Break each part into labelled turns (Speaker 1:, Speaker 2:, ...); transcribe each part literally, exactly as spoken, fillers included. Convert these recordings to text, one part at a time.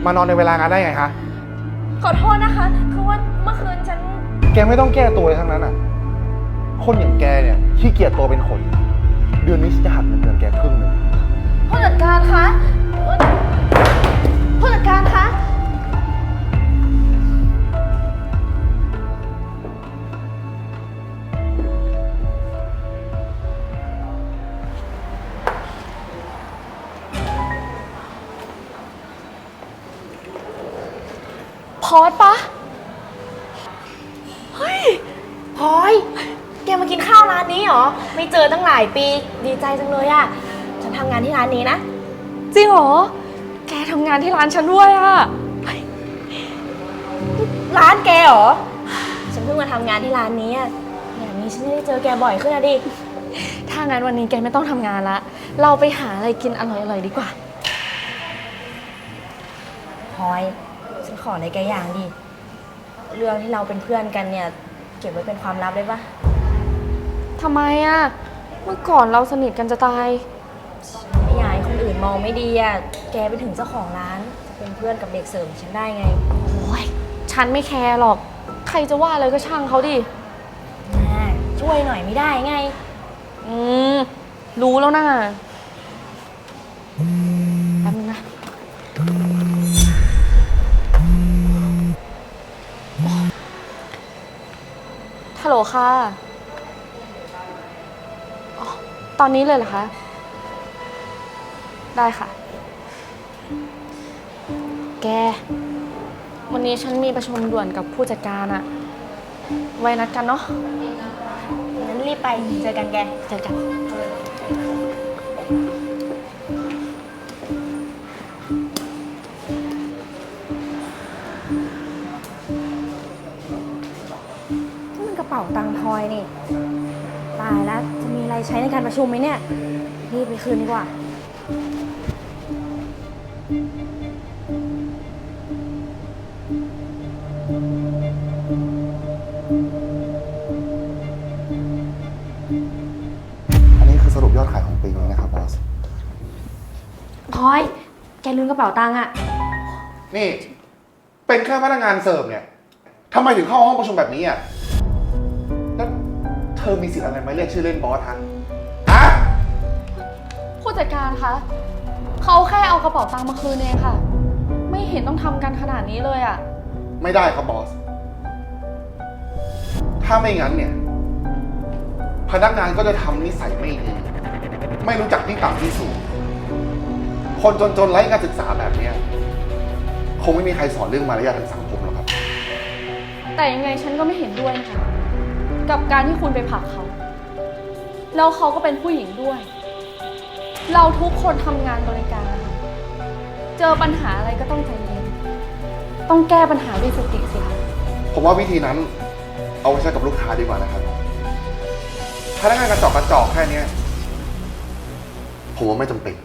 Speaker 1: มานอนในเวลางานได้ไงคะ
Speaker 2: ขอโทษนะคะคือว่าเมื่อคืนฉัน
Speaker 1: แกไม่ต้องแก้ตัวเลยทั้งนั้นอ่ะคนอย่างแกเนี่ยขี้เกียจตัวเป็นคนเดือนนี้ฉันจะหักเงินเดือนแกครึ่งหนึ่ง
Speaker 2: ผู้จัดการคะผู้จัดการคะพอดปะเฮ้ยพลอยแกมากินข้าวร้านนี้เหรอไม่เจอตั้งหลายปีดีใจจังเลยอะฉันทำงานที่ร้านนี้นะจริงเหรอแกทำงานที่ร้านฉันด้วยอะร้านแกเหรอฉันเพิ่งมาทำงานที่ร้านนี้อะอย่างนี้ฉันจะได้เจอแกบ่อยขึ้นนะดิถ้างั้นวันนี้แกไม่ต้องทำงานละเราไปหาอะไรกินอร่อยๆดีกว่าพลอยฉันขออะไรแกอย่างดิเรื่องที่เราเป็นเพื่อนกันเนี่ยเก็บไว้เป็นความลับได้ปะทำไมอะเมื่อก่อนเราสนิทกันจะตายไม่อยากให้คนอื่นมองไม่ดีอะแกไปถึงเจ้าของร้านจะเป็นเพื่อนกับเด็กเสิร์ฟฉันได้ไงโอ้ยฉันไม่แคร์หรอกใครจะว่าอะไรก็ช่างเขาดิช่วยหน่อยไม่ได้ไงอืมรู้แล้วนะแป๊บนึงนะฮัลโหลค่ะอ๋อตอนนี้เลยเหรอคะได้ค่ะแกวันนี้ฉันมีประชุมด่วนกับผู้จัดการอะไว้นัดกันเนาะงั้นรีบไปเจอกันแกเจอกันกระเป๋าตังค์พลอยนี่ตายแล้วจะมีอะไรใช้ในการประชุมไหมเนี่ยรีบไปคืนดีกว่า
Speaker 1: อันนี้คือสรุปยอดขายของปีนี้นะครับบอส
Speaker 2: พลอยแกลืมกระเป๋าตังค์อะ
Speaker 1: นี่เป็นแค่พนักงานเสิร์ฟเนี่ยทำไมถึงเข้าห้องประชุมแบบนี้อ่ะแล้วเธอมีสิทธิ์อะไรมาเรียกชื่อเล่นบอสฮะฮะ
Speaker 2: ผู้จัดการคะเขาแค่เอากระเป๋าตังค์มาคืนเองค่ะไม่เห็นต้องทำกันขนาดนี้เลยอะ
Speaker 1: ไม่ได้ครับบอสถ้าไม่งั้นเนี่ยพนักงานก็จะทำนิสัยไม่ดีไม่รู้จักที่ต่ำที่สูงคนจนๆไร้การศึกษาแบบนี้คงไม่มีใครสอนเรื่องมารยาททางสังคมหรอกครับ
Speaker 2: แต่ยังไงฉันก็ไม่เห็นด้วยนะคะกับการที่คุณไปผลักเขาแล้วเขาก็เป็นผู้หญิงด้วยเราทุกคนทำงานบริการนะคะเจอปัญหาอะไรก็ต้องใจเย็นต้องแก้ปัญหาด้วยสติสิคะ
Speaker 1: ผมว่าวิธีนั้นเอาไว้ใช้กับลูกค้าดีกว่านะครับพนักงานกระจอกกระจอกแค่นี้ผมว่าไม่จำเป็น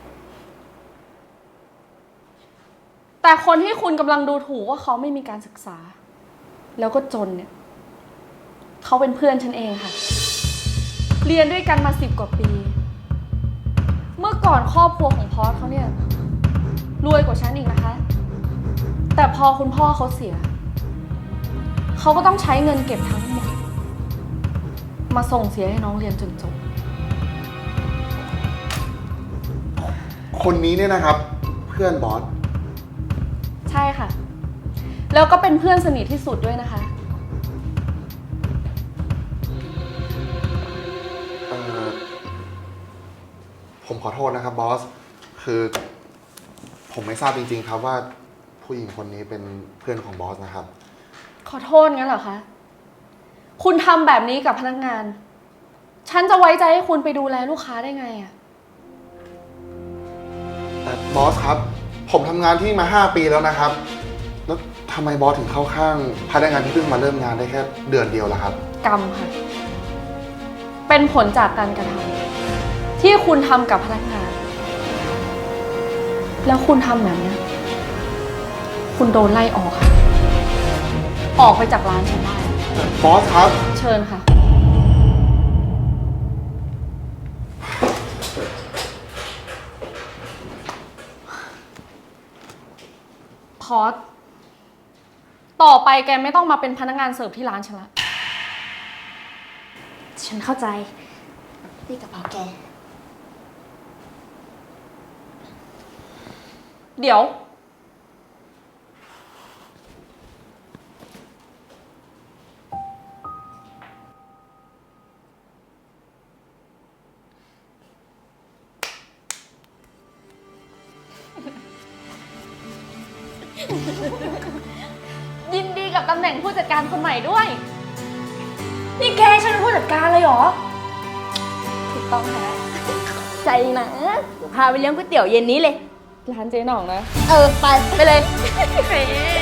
Speaker 2: แต่คนที่คุณกำลังดูถูกว่าเขาไม่มีการศึกษาแล้วก็จนเนี่ยเขาเป็นเพื่อนฉันเองค่ะเรียนด้วยกันมาสิบกว่าปีเมื่อก่อนครอบครัวของพอสเขาเนี่ยรวยกว่าฉันอีกนะคะแต่พอคุณพ่อเขาเสียเขาก็ต้องใช้เงินเก็บทั้งหมดมาส่งเสียให้น้องเรียนจนจบ
Speaker 1: คนนี้เนี่ยนะครับเพื่อนบอส
Speaker 2: ใช่ค่ะแล้วก็เป็นเพื่อนสนิทที่สุดด้วยนะคะ
Speaker 1: เอ่อผมขอโทษนะครับบอสคือผมไม่ทราบจริงๆครับว่าผู้หญิงคนนี้เป็นเพื่อนของบอสนะครับ
Speaker 2: ขอโทษงั้นเหรอคะคุณทำแบบนี้กับพนักงานฉันจะไว้ใจให้คุณไปดูแลลูกค้าได้ไงอะ
Speaker 1: แต่บอสครับผมทำงานที่มาห้าปีแล้วนะครับแล้วทำไมบอสถึงเข้าข้างพนักงานที่เพิ่งมาเริ่มงานได้แค่เดือนเดียวล่ะครับ
Speaker 2: กรรมค่ะเป็นผลจากการกระทำที่คุณทำกับพนักงานแล้วคุณทำแบบนี้คุณโดนไล่ออกค่ะออกไปจากร้านฉันได้
Speaker 1: บอสครับ
Speaker 2: เชิญค่ะต่อไปแกไม่ต้องมาเป็นพนักงานเสิร์ฟที่ร้านฉันละ
Speaker 3: ฉันเข้าใจนี่กระเป๋าแก
Speaker 2: เดี๋ยว ยินดีกับตำแหน่งผู้จัดการคนใหม่ด้วย
Speaker 3: นี่แกฉันเป็นผู้จัดการเลยเหรอ
Speaker 2: ถูกต้องค่ะ
Speaker 3: ใจนะเดี๋ยวพาไปเลี้ยงก๋วยเตี๋ยวเย็นนี้เลย
Speaker 2: ร้านเจ๊หน่องนะ
Speaker 3: เออ ไป ไปเลย
Speaker 2: เฮ้